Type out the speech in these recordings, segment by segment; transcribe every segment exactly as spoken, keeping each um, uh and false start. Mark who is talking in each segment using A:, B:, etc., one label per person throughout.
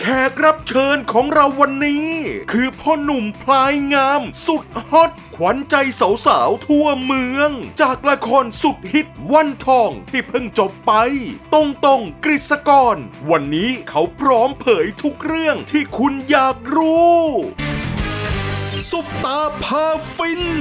A: แขกรับเชิญของเราวันนี้ คือพ่อหนุ่มพลายงามสุดฮอตขวัญใจสาวๆทั่วเมืองจากละครสุดฮิตวันทองที่เพิ่งจบไปตรงตรงกฤษกรวันนี้เขาพร้อมเผยทุกเรื่องที่คุณอยากรู้ซุปตาพาฟิน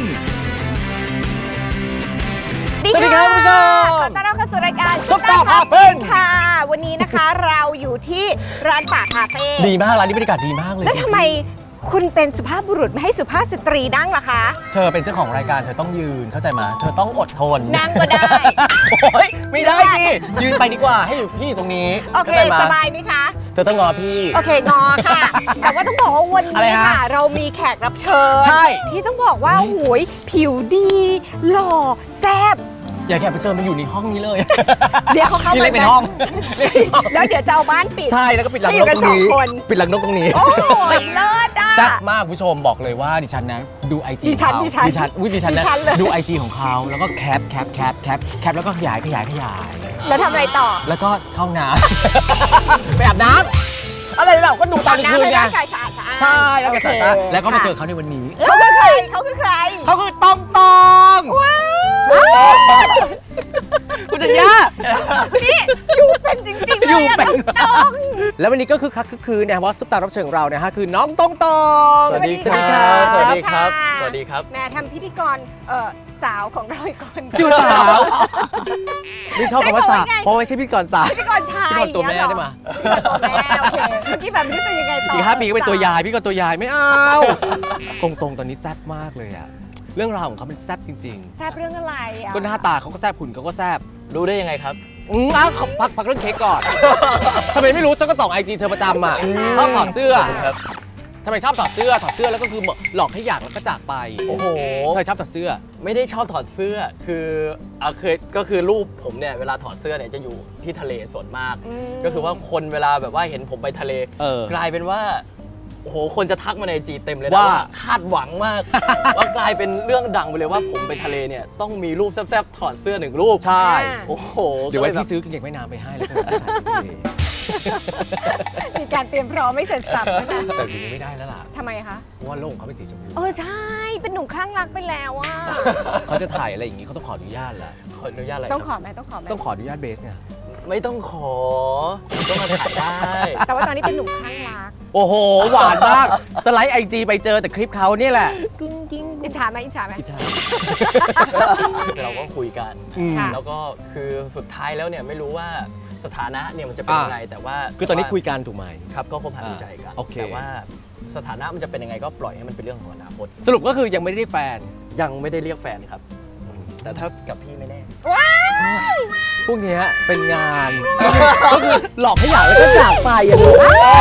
B: สวัสดีครับคุณผู้ชม
C: ขอต้อนรับเข้าสู่รายการ
B: ซุปตาพาฟิน
C: ค่ะวันนี้นะคะเราอยู่ที่ร้านป่าคาเฟ่
B: ดีมากร้านนี้บรรยากาศดีมากเลย
C: แล้วทำไมคุณเป็นสุภาพบุรุษไม่ให้สุภาพสตรีนั่งล่ะคะ
B: เธอเป็นเจ้าของรายการเธอต้องยืนเข้าใจไหมเธอต้องอดทน
C: นั่งก็ได้
B: โอ๊ยไม่ได้สิยืนไปดีกว่าให้อยู่พี่อยู่ตรงนี้
C: โอเคสบายไหมคะ
B: เธอต้องงอพี่
C: โอเคงอค่ะแต่ว่าต้องบอกว่าวันนี้ค่ะเรามีแขกรับเชิญ
B: ใช่
C: ที่ต้องบอกว่าโอ้ยผิวดีหล่อแซ่บ
B: อย่าแขกรับเชิญมาอยู่ในห้องนี้เลย
C: เดี๋ยวเขาเข้า
B: มาเป็นห้อง
C: แล้วเดี๋ยวจะเอาบ้านปิด
B: ใช่แล้วก็ปิดหลังนกตรงนี้ปิดหลังนกตรงนี้
C: โอ้ยเลิศอ่ะ
B: แซ่บมากผู้ชมบอกเลยว่าดิฉันนะดูไอจี
C: ดิฉันดิฉัน
B: ดิฉันวิดิฉันนะดูไอจีของเขาแล้วก็แคปแคปแคปแคปแคปแล้วก็ขยายขยายขยาย
C: แล้วทำอะไรต่อ
B: แล้วก็เข้าน้ำไปอาบน้ำอะไรเราก็ดูตอนคืนไงใช่แล้วก็สะอาดแล้วก็มาเจอเขาในวันนี้
C: เขาคือใครเขาคือใคร
B: เขาคือตองตองคุณจัญญา
C: นี่อยู่เป็นจริงๆเลยอะตอง
B: แล้ววันนี้ก็คือคักคือเนี่ยว่าซุปตารับเชิญของเราเนี่ยฮะคือน้องตองตอง
D: สวัสดีครับสวัสดีครับสวัสดีครับ
C: แม่ทำพิธีกรเอ่อสาวของเราอีกคน
B: จูสาวนี่ชอบคำว่าสาวเพราะไม่ใช่พิธีกรสาว
C: พิธีกรชาย
B: พิธีกรตัวแม่ได้ไหม
C: ตัวแม่โอเคเมื่อกี้แบบนี้เป็นยังไงต่อ
B: อีกห้าปีก็เป็นตัวยายพี่ก็ตัวยายไม่เอาตรงๆตอนนี้แซ่บมากเลยอะเรื่องราวของเขาเป็นแซ่บจริง
C: ๆแซ่บเรื่องอะไรอ่ะ
B: ก็หน้าตาเขาก็แซ่บหุ่นเขาก็แซ่บ
D: รู้ได้ยังไงครับ
B: อืมอ้าวพักพักเรื่องเค้กก่อนทำไมไม่รู้ฉันก็ส่องไอจีเธอประจำอ่ะชอบถอดเสื้อทำไมชอบถอดเสื้อถอดเสื้อแล้วก็คือหลอกให้อยากแล้วก็จากไป
D: โอ้โห
B: เธอชอบถอดเสื้อ
D: ไม่ได้ชอบถอดเสื้อคืออ่ะเคยก็คือรูปผมเนี่ยเวลาถอดเสื้อเนี่ยจะอยู่ที่ทะเลส่วนมากก็คือว่าคนเวลาแบบว่าเห็นผมไปทะเลกลายเป็นว่าโอ้โหคนจะทักมาในจีเต็มเลยนะว่าคาดหวังมากว่ากลายเป็นเรื่องดังไปเลยว่าผมไปทะเลเนี่ยต้องมีรูปแซ่บๆถอดเสื้อหนึ่งรูป
B: ใช่
D: โอ้โห
B: เดี๋ยวไว้พี่ซื้อกางเกงว่ายน้ำไปให้แล้วก็
C: มีการเตรียมพร้อมไม่เสร็จสับใช่ไหม
B: แต่ทีนี้ไม่ได้แล้วล่ะ
C: ทำไมคะ
B: เพราะว่าโลกเขาเป็นสีชมพู
C: เออใช่เป็นหนุ่มคลั่งรักไปแล้วอ่ะ
B: เขาจะถ่ายอะไรอย่างนี้เขาต้องขออนุญาตแหละ
D: ขออนุญาตอะไร
C: ต้องขอไหมต้องขอไหม
B: ต้องขออนุญาตเบสไง
D: ไม่ต้องขอก็มาถ่ายได้
C: แต่ว่าตอนนี้เป็นหนุ่มคลั่งรัก
B: โอ้โหหวานมากสไลด์ไอจีไปเจอแต่คลิปเขาเนี่ยแหละ
C: กิ้งกิ้งอิจฉาไหมอิจฉาไหม
B: อิจฉา
D: เราก็คุยกันแล้วก็คือสุดท้ายแล้วเนี่ยไม่รู้ว่าสถานะเนี่ยมันจะเป็นยังไงแต่ว่า
B: คือตอนนี้คุยกันถูกไหม
D: ครับก็คบหาดูใจกันแต่ว่าสถานะมันจะเป็นยังไงก็ปล่อยให้มันเป็นเรื่องของอนาคต
B: สรุปก็คือยังไม่ได้เรียกแฟน
D: ยังไม่ได้เรียกแฟนครับแต่ถ้ากับพี่ไม่แน่
B: พวกนี้เป็นงานก็คือหลอกให้อยากแล้วก็จากไปอย่างนี้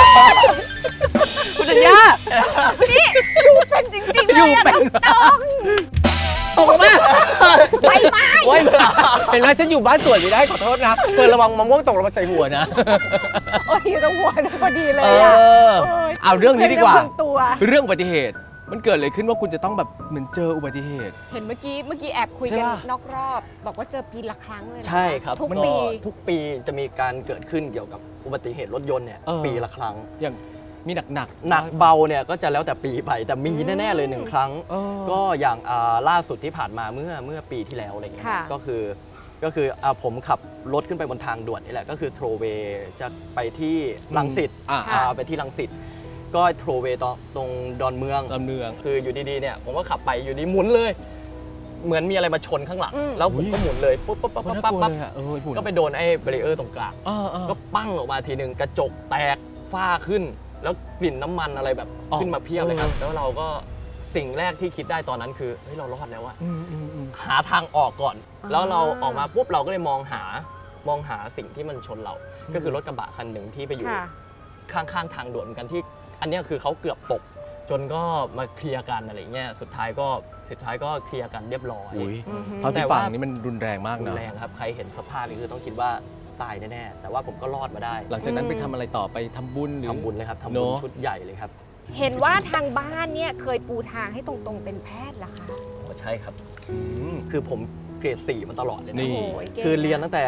B: คุณจัญญา
C: นี่อยู่เป็นจริงๆเลยอะต้อง
B: ตกมา
C: ไปไหม
B: เห็นไหมฉันอยู่บ้านสวยไม่ได้ขอโทษนะเพื่อระวังมะม่วงตกลงมาใส่หัวนะ
C: โอ้ยอยู่ตรงหัวพอดีเลย
B: อ่ะเอาเรื่องนี้ดีกว่าเรื่องอุบัติเหตุมันเกิดอะไรขึ้นว่าคุณจะต้องแบบเหมือนเจออุบัติเหตุ
C: เห็นเมื่อกี้เมื่อกี้แอบคุยกันนอกรอบบอกว่าเจอปีละครั้งเลย
D: ใช่ครับ
C: ทุกปี
D: ทุกปีจะมีการเกิดขึ้นเกี่ยวกับอุบัติเหตุรถยนต์เนี่ยปีละครั้ง
B: อย่างมีหนักหนัก
D: หนักเบาเนี่ยก็จะแล้วแต่ปีไปแต่มีแน่ๆเลยหนึ่งครั้งก็อย่างล่าสุดที่ผ่านมาเมื่อเมื่อปีที่แล้วอะไรเงี้ยก็คือก็คือผมขับรถขึ้นไปบนทางด่วนนี่แหละก็คือโทรเวย์จะไปที่รังสิตไปที่รังสิตก็โทรเวย์ตรงดอนเมือง
B: ดอนเมือง
D: คืออยู่ดีๆเนี่ยผมก็ขับไปอยู่ดีหมุนเลยเหมือนมีอะไรมาชนข้างหลังแล้วผมก็หมุนเลยปุ๊บปุ๊บปั๊บปั๊บปั๊บก็ไปโดนไอ้เบรเออร์ตรงกลางก็ปั้งออกมาทีนึงกระจกแตกฝ้าขึ้นแล้วกลิ่นน้ำมันอะไรแบบขึ้นมาเพียบเลยครับแล้วเราก็สิ่งแรกที่คิดได้ตอนนั้นคือเฮ้ยเรารอดแล้วอะหาทางออกก่อนแล้วเราออกมาปุ๊บเราก็เลยมองหามองหาสิ่งที่มันชนเราก็คือรถกระบะคันหนึ่งที่ไปอยู่ข้างๆทางด่วนเหมือนกันที่อันนี้คือเขาเกือบตกจนก็มาเคลียร์กันอะไรเงี้ยสุดท้ายก็สุดท้ายก็เคลียร์กันเรียบร้อย
B: เท่าที่ฟังนี่มันรุนแรงมากนะ
D: รุนแรงครับใครเห็นสภาพนี่คือต้องคิดว่าตายแน่ๆแต่ว่าผมก็รอดมาได้
B: หลังจากนั้นไปทำอะไรต่อไปทำบุญหรือ
D: ทำบุญเลยครับทำบุญชุดใหญ่เลยครับ
C: เห็นว่าทางบ้านเนี่ยเคยปูทางให้ตรงๆเป็นแพทย์เหรอคะ
D: ใช่ครับคือผมเกรดสี่มาตลอดเลยนะคือเรียนตั้งแต่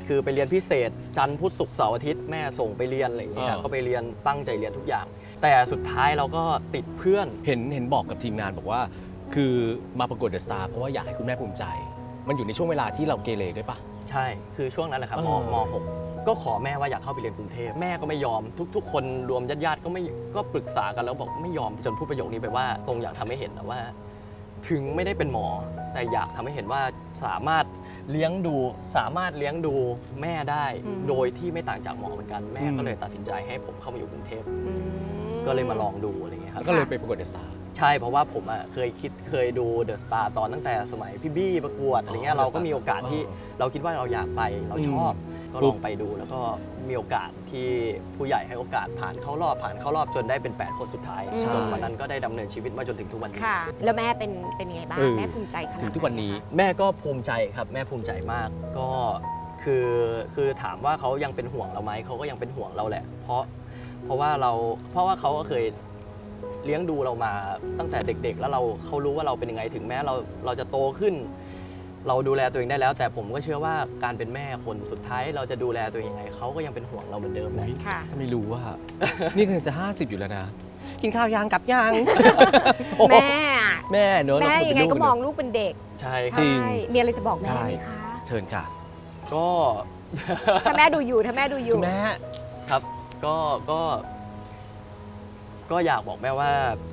D: คือไปเรียนพิเศษจันทร์พุธศุกร์เสาร์อาทิตย์แม่ส่งไปเรียนอะไรอย่างเงี้ย
B: อ่า
D: ก็ไปเรียนตั้งใจเรียนทุกอย่าง แต่สุดท้ายเราก็ติดเพื่อน
B: เห็นเห็นบอกกับทีมงานบอกว่า คือมาประกวดเดอะสตาร์เพราะว่าอยากให้คุณแม่ภูมิใจ มันอยู่ในช่วงเวลาที่เราเกเรด้วยปะ
D: ใช่ คือช่วงนั้นแหละครับม
B: เออ
D: มหกก็ขอแม่ว่าอยากเข้าไปเรียนกรุงเทพแม่ก็ไม่ยอมทุก ๆ คนรวมญาติๆก็ไม่ก็ปรึกษากันแล้วบอกไม่ยอมจนพูดประโยคนี้ไปว่าตรงอยากทำให้เห็นนะว่า ถึงไม่ได้เป็นหมอ แต่อยากทำให้เห็นว่าสามารถเลี้ยงดูสามารถเลี้ยงดูแม่ได้
C: อืม
D: โดยที่ไม่ต่างจากหมอเหมือนกันแม่
B: อืม
D: ก็เลยตัดสินใจให้ผมเข้ามาอยู่กรุงเทพ
C: อืม
D: ก็เลยมาลองดูอะไรเงี้ยครับ
B: ก็เลยไปประกวดเดอะสตาร์
D: ใช่เพราะว่าผมอ่ะเคยคิดเคยดูเดอะสตาร์ตอนตั้งแต่สมัยพี่บี้ประกวดอะไรเงี้
B: อ๋
D: ย
B: อ
D: เราก็มีโอกาสที่
B: เออ
D: เราคิดว่าเราอยากไปเราชอบ
B: อืม
D: ก็ลองไปดูแล้วก็มีโอกาสที่ผู้ใหญ่ให้โอกาสผ่านเข้ารอบผ่านเข้ารอบจนได้เป็นแปดคนสุดท้าย
C: ใช่
D: จนวันนั้นก็ได้ดำเนินชีวิตมาจนถึงทุกวันนี้
C: ค่ะ แล้วแม่เป็นเป็นยังไงบ้าง
B: เออ
C: แม่ภูมิใจขนาดไห
B: ถึงทุกวันนี้
D: แม่ก็ภูมิใจครับแม่ภูมิใจมากก็คือคือถามว่าเขายังเป็นห่วงเราไหมเขาก็ยังเป็นห่วงเราแหละ เพราะเพราะว่าเราเพราะว่าเขาก็เคยเลี้ยงดูเรามาตั้งแต่เด็ก ๆ แล้วเราเขารู้ว่าเราเป็นยังไงถึงแม้เราเราจะโตขึ้น เราดูแลตัวเองได้แล้ว แต่ผมก็เชื่อว่าการเป็นแม่คนสุดท้ายเราจะดูแลตัวเองยังไงเขาก็ยังเป็นห่วงเราเหมือนเดิมแหละ
C: ค่ะ
B: ถ้าไม่รู้ว่า นี่คือจะห้าสิบอยู่แล้วนะ กินข้าวยางกลับยาง
C: แม่อะ
B: แม่เนอะ
C: แม่
B: เรา
C: ยังไง
B: เป็นลู
C: ก็มองลูกเป็นเด็ก
D: ใช่ค
B: จ
D: รับ
B: ริง
C: ใช่มีอะไรจะบอกแม่
B: ใช่
C: ไหมคะ
B: เชิญค่ะ
D: ก็
C: ถ้าแม่ดูอยู่ถ้าแม่ดูอ
B: คุ
C: ยู่
B: ณแม่
D: ครับก็ก็ ก็อยากบอกแม่ว่า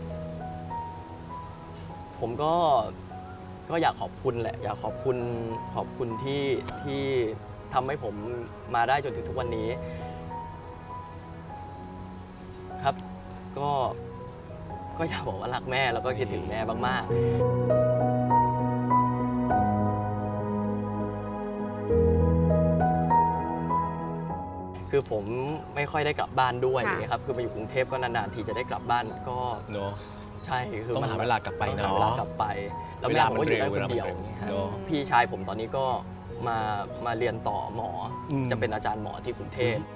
D: ผมก็ก็อยากขอบคุณแหละ อยากขอบคุณขอบคุณที่ที่ทำให้ผมมาได้จนถึงทุกวันนี้ ครับ ก็ก็อยากบอกว่ารักแม่แล้วก็คิดถึงแม่มากๆ คือผมไม่ค่อยได้กลับบ้านด้วย
C: ค่ะ
D: อย่างเงี้ยครับคือมาอยู่กรุงเทพก็นานๆทีจะได้กลับบ้านก็
B: เนอะ
D: ใช่คือ
B: ต้องหาเวลากลับไป
D: ต้องหา
B: เนอะ
D: เวลากลับไป แล้ว
B: เว
D: แม่
B: ลา
D: ผม
B: มัน
D: ก็อยู่ได้
B: เร็ว
D: คนเดียว
B: เวลามันเร็ว
D: อย่างเงี้ยครับ
B: เนอะ
D: พี่ชายผมตอนนี้ก็มามาเรียนต่อหมออ
B: ม
D: จะเป็นอาจารย์หมอที่กรุงเทพ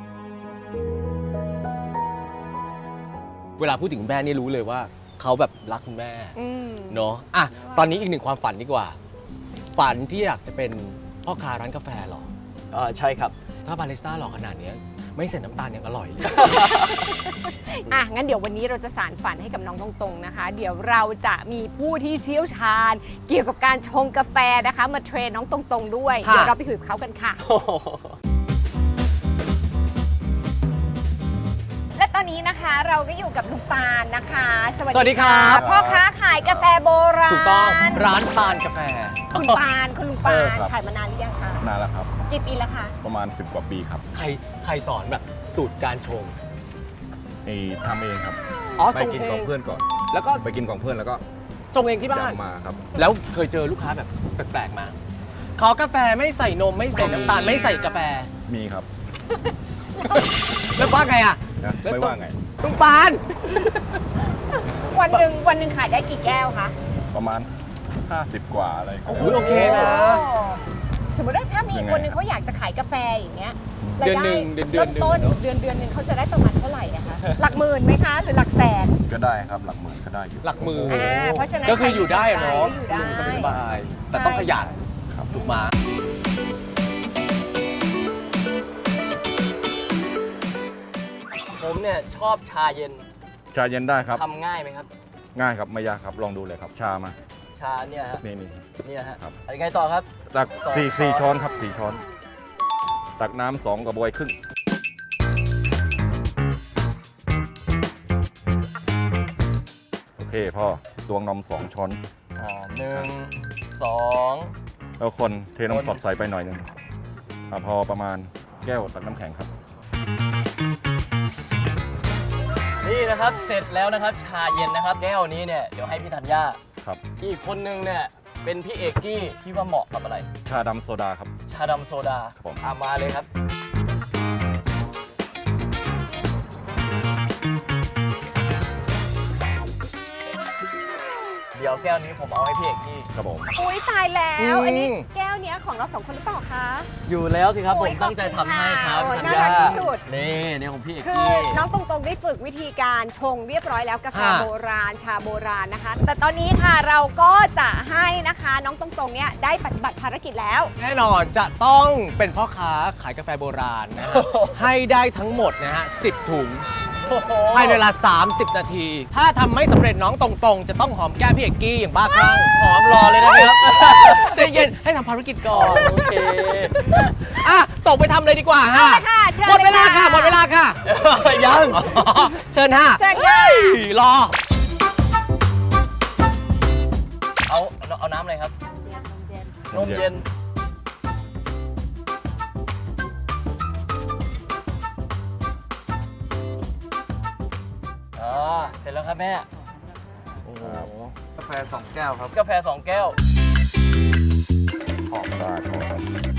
B: เวลาพูดถึงคุณแม่นี่รู้เลยว่าเขาแบบรักคุณแม่
C: อืม
B: เนาะอ่ะตอนนี้อีกหนึ่งความฝันดีกว่า ฝันที่อยากจะเป็นพ่อค้าร้านกาแฟเหรอ
D: เอ่อใช่ครับ
B: ถ้าบาริสต้าหล่อขนาดเนี้ยไม่ใส่น้ำตาลยังอร่อยเลย
C: อ่ะงั้นเดี๋ยววันนี้เราจะสารฝันให้กับน้องตรงๆนะคะ เดี๋ยวเราจะมีผู้ที่เชี่ยวชาญ เกี่ยวกับการชงกาแฟนะคะ มาเทรนน้องตรงๆด้วย
B: ค่ะ
C: เดี๋ยวเราไปคุยกับเขากันค่ะ และตอนนี้นะคะเราก็อยู่กับลุงปานนะคะ สวัส
B: สวัสดีครับ
C: พ่อค้าขายกาแฟโบราณ
B: ถูกต้องร้านปานกาแฟ
C: คุณปานคุณลุงปา
E: เออน ครับ
C: ขายมานานหรือยังคะ
E: นานแล้วครับ
C: กี่ปีแล้วคะ
E: ประมาณ สิบ กว่าปีครับ
B: ใครใครสอนแบบสูตรการชง
E: ไอ้ทำเองครับ
B: อ๋อ
E: ไป
B: ชง
E: กิน
B: เอ
E: ของ งเพื่อนก่อน
B: แล้วก็
E: ไปกินของเพื่อนแล้วก็
B: ชงเองที่บ้าน
E: จำมาครับ
B: แล้วเคยเจอลูกค้าแบบแปลกๆมาขอกาแฟไม่ใส่นมไม่ใส่น้ำตาลไม่ใส่กาแฟ
E: มีครับ
B: แล้วว่าไงอ่ะ
E: นะ
B: แล้ว
E: ไม่ว่าไง
B: ลุงปาน
C: วันหนึ่งวันหนึ่งขายได้กี่แก้วคะ
E: ประมาณ ห้าสิบ กว่าอะไรครับ
B: อุ๊ยโอเคนะ
C: สมมติว่าถ้ามี
E: ยังไง
C: คนหนึ่งเขาอยากจะขายกาแฟอย่างเงี้ย
B: เดือนหนึ่ง
C: ราย
B: เดือนเดือนหนึ่ง
C: ต้น
B: เนอะ
C: ๆเดือนเดือนหนึ่งเขาจะได้ประมาณเท่าไหร่อะคะ หลักหมื่นไหมคะ หรือหลักแสน
E: ก็ได้ครับหลักหมื่นก็ได้อยู่
B: หลักหมือ
C: อ่าเพราะฉะนั้น
B: ก็คืออยู่ได้อะเนาะ
C: ใครที่สนใจก็อยู่ได้
B: อยู่สบายๆแต่ต้องขยัน
E: ครับ
B: ถูกมา
D: ผมเนี่ยชอบชาเย็น
E: ชาเย็นได้ครับ
D: ทำง่ายไหมครับ
E: ง่ายครับไม่ยากครับลองดูเลยครับ ชามา
D: ชาเนี่ยฮะ
E: นี่นี่
D: เนี่ยฮะ
E: ครับ
D: อะไรไงต่อครับ
E: ตัก
D: สอง
E: สี่
D: ช้อน
E: สี่ช้อนครับสี่ช้อน ตักน้ำสองกระบวยครึ่งโอเคพ่อตวงนมสองช้อน
D: อ๋อหนึ่งสอง
E: แล้วคนเทนม
D: คน
E: สดใส่ไปหน่อยหนึงอ่ะพอประมาณแก้วตักน้ำแข็งครับ
D: นี่นะครับเสร็จแล้วนะครับ ชาเย็นนะครับ แก้วนี้เนี่ยเดี๋ยวให้พี่ธัญญา
E: ครับ
D: พี่อีกคนนึงเนี่ยเป็นพี่เอกกี้คิดว่าเหมาะกับอะไร
E: ชาดำโซดาครับ
D: ชาดำโซดา
E: ครับผม
D: อามาเลยครับ เดี๋ยวแก้วนี้ผมเอาให้พี่เอกกี้
E: ครับผม
C: อุ้ยตายแล้ว
B: อืม
C: อันนี้แก้วนี้ของเราสองคนหรือเปล่าคะ
D: อยู่แล้วสิครับ
C: โอ้
D: ผ
C: ย
D: มตั้งใจทำให้ครับ
C: ขอบคุณ
D: ธัญ
C: ค่ะโอ้ยน่ารั
D: ญาก
C: ที่สุด
D: นี่เนี่ยของพี่เอก
C: คือ
D: กี้
C: น้องตรงๆได้ฝึกวิธีการชงเรียบร้อยแล้วกาแฟ
B: ค่ะ
C: โบราณชาโบราณนะคะ แต่ตอนนี้ค่ะเราก็จะให้นะคะน้องตรงๆเนี่ยได้ปฏิบัติภารกิจแล้ว
B: แน่นอนจะต้องเป็นพ่อค้าขายกาแฟโบราณนะฮะ ให้ได้ทั้งหมดนะฮะสิบถุงภายในเวลา สามสิบ นาที ถ้าทำไม่สำเร็จน้องตรงๆ จะต้องหอมแก้มพี่เอกกี้อย่างบ้าคลั่ง
D: หอมรอเลยนะครับ
B: ใจเย็นให้ทำภารกิจก่อน
D: โอเค
B: อ่ะส่งไปทำเลยดีกว่าฮะ
C: เอาละค่ะเชิญ
B: หมดเวลา
C: เลย
B: ค่ะ
C: ค่ะ
B: หมดเวลาค่ะ
D: ยัง
B: เชิญฮะ
C: เชิญค่ะ
B: รอ
D: เอาเอาน้ำอะไรครับนมเย็นอ่าเสร็จแล้วครับแม่โอ้โห
E: กาแฟสองแก้วครับ
D: กาแฟสองแก้ว
E: หอมได้หอมครับ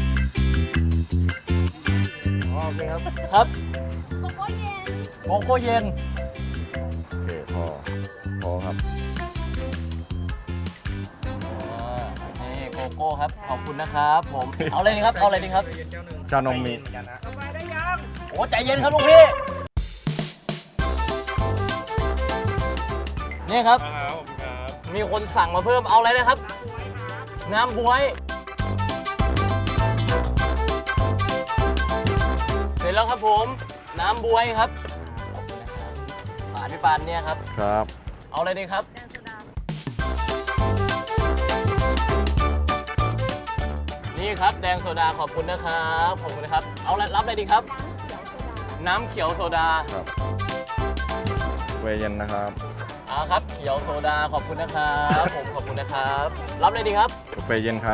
D: โอเคครับ ครับ โกโก้เย็น โกโก้เย็น
E: โอเคพอพอครับ
D: อ่านี่โกโก้ครับ ขอบคุณนะครับผม เอาอะไรดีครับ เอาอะไรดีครับ
E: ชานมมี
D: โอ้ใจเย็นครับลูกพี่ นี่ครับ มีคนสั่งมาเพิ่ม เอาอะไรนะครับ น้ำบวย เสร็จแล้วครับผม น้ำบวยครับ ขอบคุณนะครับปานพี่ปานเนี่ยครับ
E: ครับ
D: เอาอะไรดีครับ นี่ครับแดงโซดาขอบคุณนะครับขอบคุณนะครับ เอาละรับอะไรดีครับ น้ำเขียวโซดา
E: ครับเวย์เย็นนะครับ
D: อ่าครับเขียวโซดาขอบคุณนะครับผมขอบคุณนะครับ รับอะไรดีครับ
E: กาแฟเย็นครับ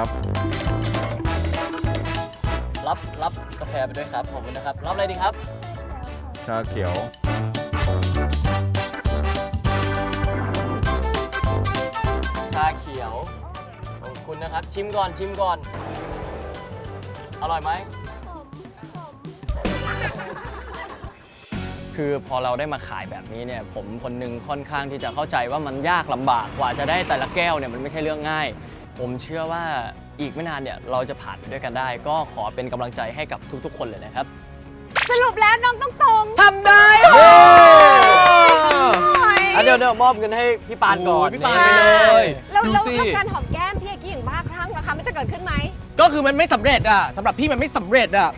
D: รับรับกาแฟไปด้วยครับขอบคุณนะครับ รับอะไรดีครับ
E: ชาเขียว
D: ชาเขียวขอบคุณนะครับ ชิมก่อนชิมก่อน อร่อยไหม คือพอเราได้มาขายแบบนี้เนี่ยผมคนหนึงค่อนข้างที่จะเข้าใจว่ามันยากลำบากกว่าจะได้แต่ละแก้วเนี่ยมันไม่ใช่เรื่องง่าย ผมเชื่อว่าอีกไม่นานเนี่ยเราจะผ่านไปด้วยกันได้ ก็ขอเป็นกำลังใจให้กับทุกๆ คนเลยนะครับ
C: สรุปแล้วน้องตรงๆ
B: ทำได้
C: โอ้ย
D: อ่ะเดี๋ยวเดี๋ยวมอบเงินให้พี่ปานก่อน
B: โอ้ยพี่ปานไปเลย
C: แล้ว
B: ดู
C: แล้ว
B: สิ
C: แล้วการหอมแก้มพี่เอกกี้อย่างบ้าคลั่งนะคะมันจะเกิดขึ้นไหม
B: ก็คือมันไม่สำเร็จอ่ะสำหรับพี่มันไม่สำเร็จอ่ะ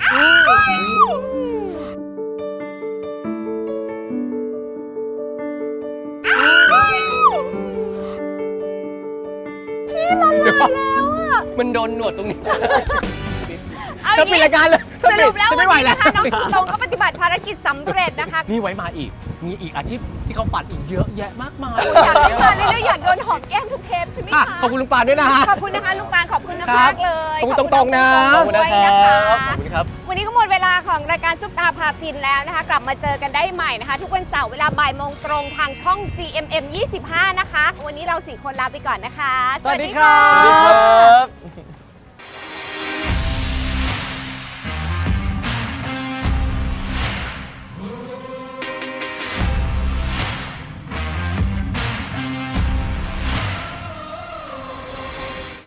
B: มันโดนหนวดตรงนี้
C: เอาอ
B: ถ้า
C: ย่าง
B: ปิด
C: นี้
B: รายการเลย
C: สรุปแล้ว
B: ฉัน
C: วัน
B: ไม่ไหว
C: นี้
B: แล้ว
C: นะคะน้องตรงๆก็ปฏิบัติภารกิจสำเร็จนะคะ
B: นี่ไว้มาอีก มีอีกอาชีพที่เขาปัดอีกเยอะแยะมากมาย
C: อยากให้มาเรื่อยๆอยากโดนหอมแก้มทุกเทปใช่ไหม
B: อ่ะ
C: คะ
B: ขอบคุณลุงปานด้วยนะฮะ
C: ขอบคุณนะคะลุงปานขอบคุณ
B: ครั
C: มา
B: บ
C: กๆเลย
B: ขอบคุณตรงๆนะ
D: ขอบคุณ
C: ด้
D: นะ
C: วย
D: ครั
C: นะคะ
D: บขอบคุณครับ
C: วันนี้ก็หมดเวลาของรายการซุปตาพาฟินแล้วนะคะ กลับมาเจอกันได้ใหม่นะคะ ทุกวันเสาร์เวลาบ่ายโมงตรงทางช่อง จี เอ็ม เอ็ม ยี่สิบห้า นะคะ วันนี้เราสี่คนลาไปก่อนนะคะ
B: สวัสดีครับ
D: สวัสดีครับ